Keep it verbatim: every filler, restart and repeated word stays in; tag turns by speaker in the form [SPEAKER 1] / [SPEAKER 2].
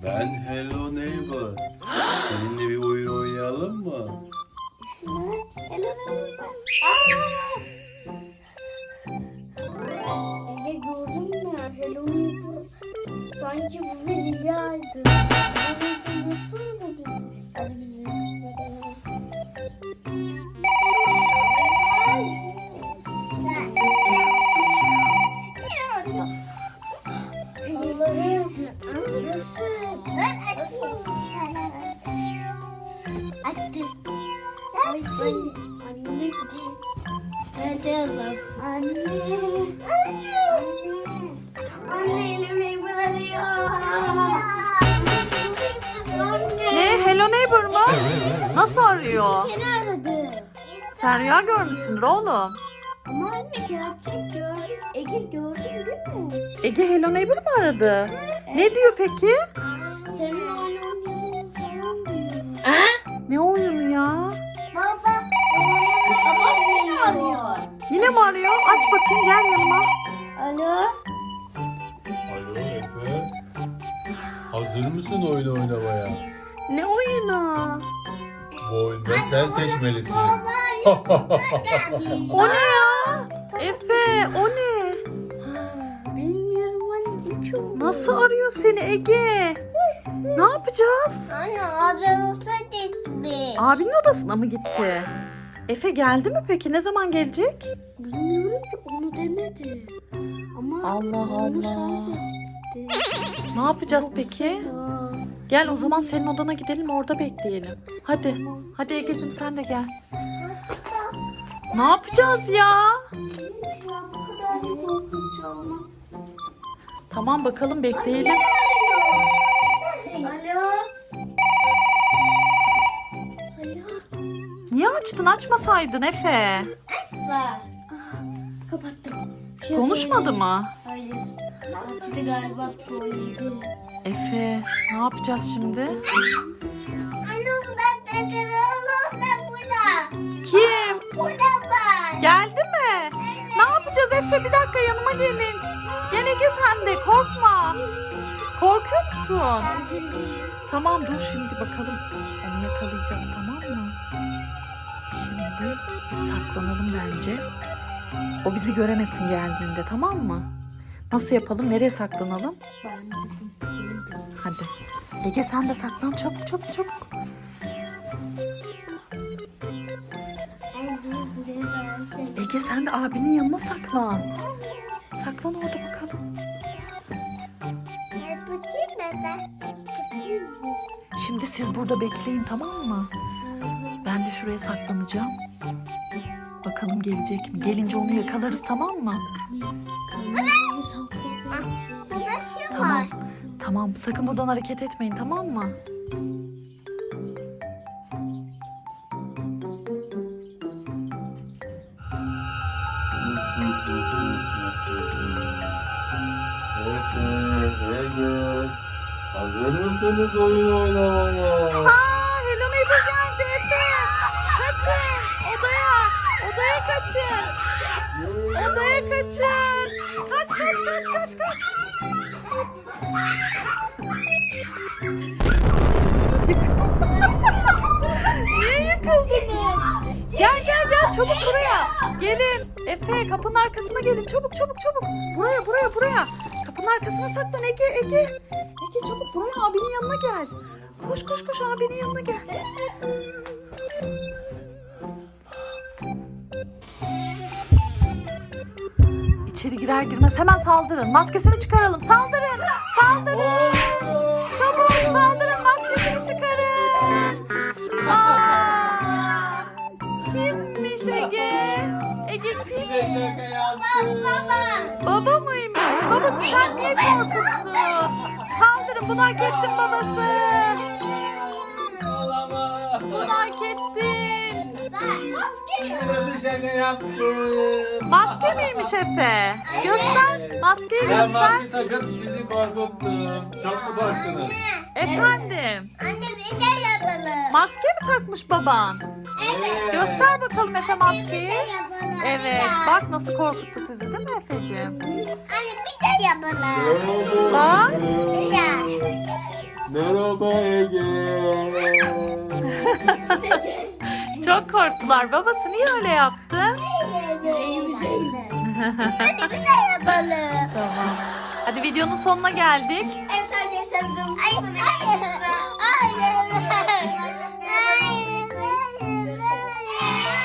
[SPEAKER 1] Ben Hello Neighbor. Seninle bir oyun oynayalım mı?
[SPEAKER 2] Hello Neighbor. Ege gördün mü? Hello Neighbor. Sanki bu bir rüyaydı. Hello Neighbor nasıl da biz? Hadi biz Allah'ım nasıl? Nasıl? Açtım. Ay anne. Anne gitti. Nerede yazalım? Anne. Anne. Anne elimi bırakıyor. Anne.
[SPEAKER 3] Ne? Hello Neighbor mu? Nasıl arıyor?
[SPEAKER 2] Seni aradı.
[SPEAKER 3] Sen rüya görmüşsündür oğlum.
[SPEAKER 2] Ama anne gerçek gördün. Ege gördün değil mi?
[SPEAKER 3] Ege Hello Neighbor mu aradı? Ne diyor peki?
[SPEAKER 2] Senin oyun oynadığını falan diyor.
[SPEAKER 3] Ne oyunu ya?
[SPEAKER 2] Baba. Baba beni arıyor.
[SPEAKER 3] Yine mi arıyor? Aç bakayım, gel yanıma.
[SPEAKER 2] Alo.
[SPEAKER 1] Alo Efe. Hazır mısın oyun oynamaya?
[SPEAKER 2] Ne oyunu?
[SPEAKER 1] Bu oyunda sen seçmelisin.
[SPEAKER 3] O ne ya? Efe, o ne?
[SPEAKER 2] Bilmiyorum anne. Üç oldu.
[SPEAKER 3] Nasıl arıyor seni Ege? Ne yapacağız?
[SPEAKER 2] Anne abi olsa gitti.
[SPEAKER 3] Abinin odasına mı gitti? Efe geldi mi peki? Ne zaman gelecek?
[SPEAKER 2] Bilmiyorum ki onu demedi. Ama
[SPEAKER 3] Allah
[SPEAKER 2] onu sen
[SPEAKER 3] Allah.
[SPEAKER 2] sesletti.
[SPEAKER 3] Ne yapacağız peki? Gel o zaman senin odana gidelim, orada bekleyelim. Hadi. Hadi Egeciğim sen de gel. Ne yapacağız ya?
[SPEAKER 2] Bu kadar da korkunç olmaz.
[SPEAKER 3] Tamam bakalım, bekleyelim.
[SPEAKER 2] Alo. Alo.
[SPEAKER 3] Niye açtın? Açmasaydın Efe.
[SPEAKER 2] Bak. Kapattım. Bir şey
[SPEAKER 3] Konuşmadı
[SPEAKER 2] söyleyeyim.
[SPEAKER 3] mı?
[SPEAKER 2] Hayır. Açtı galiba trollüydü.
[SPEAKER 3] Efe, ne yapacağız şimdi?
[SPEAKER 2] Anam ben tekrarım da burada.
[SPEAKER 3] Kim?
[SPEAKER 2] Burada bak.
[SPEAKER 3] Geldi mi? Ne yapacağız Efe? Bir dakika yanıma gelin. Gel Ege sen de, korkma. Korkuyor musun? Tamam dur şimdi bakalım. Onu yakalayacağız, tamam mı? Şimdi biz saklanalım bence. O bizi göremesin geldiğinde, tamam mı? Nasıl yapalım? Nereye saklanalım?
[SPEAKER 2] Ben dedim.
[SPEAKER 3] Hadi. Ege sen de saklan, çabuk çabuk çabuk.
[SPEAKER 2] Ben bunu buraya verdim.
[SPEAKER 3] Ege sen de abinin yanına saklan. Saklan orada bakalım.
[SPEAKER 2] Ben bakayım mı ben? Bakayım mı?
[SPEAKER 3] Şimdi siz burada bekleyin, tamam mı? Ben de şuraya saklanacağım. Bakalım gelecek mi? Gelince onu yakalarız, tamam mı?
[SPEAKER 2] Kamerayı saklayalım.
[SPEAKER 3] Tamam. Tamam. Sakın buradan hareket etmeyin, tamam mı?
[SPEAKER 1] Efe, Ege. Hazır mısınız oyun oynamaya?
[SPEAKER 3] Aa, Hello Neighbor geldi Efe. Kaçın. Odaya. Odaya kaçın. Odaya kaçın. Kaç kaç kaç kaç kaç. Niye yıkıldınız? Gel gel gel çabuk buraya. Gelin. Efe kapının arkasına gelin. Çabuk çabuk çabuk. Buraya buraya buraya. Kapının arkasına saklan Ege Ege. Ege çabuk buraya, abinin yanına gel. Koş koş koş abinin yanına gel. İçeri girer girmez hemen saldırın. Maskesini çıkaralım. Saldırın. Saldırın. Çabuk saldırın. Maskesini çıkarın. Aa, kimmiş Ege? Ege kim?
[SPEAKER 1] Size şaka yaptım.
[SPEAKER 3] Baba mıymış? Babası sen niye korkuttun? Saldırın, bunu hak ettin babası.
[SPEAKER 1] Olamaz.
[SPEAKER 3] Bunu hak ettin.
[SPEAKER 1] Size şaka yaptım.
[SPEAKER 3] Maske miymiş Efe? Göster. Maskeyi
[SPEAKER 1] Ben
[SPEAKER 3] göster.
[SPEAKER 1] maske takıp sizi korkuttum. Çok mu korktunuz?
[SPEAKER 3] Efendim.
[SPEAKER 2] Anne bir de yapalım.
[SPEAKER 3] Maske mi takmış baban?
[SPEAKER 1] Evet.
[SPEAKER 3] Göster bakalım. bakalım Efe maskeyi. Evet, bak nasıl korkuttu sizi değil mi Efeciğim?
[SPEAKER 2] Anne bir de yapalım.
[SPEAKER 3] Bak.
[SPEAKER 2] Bir de.
[SPEAKER 1] Merhaba Ege.
[SPEAKER 3] Çok korktular. Babası niye öyle yaptı?
[SPEAKER 2] Hadi bir de yapalım.
[SPEAKER 3] Tamam. Hadi videonun sonuna geldik.
[SPEAKER 2] Evet arkadaşlar. Ay, ay.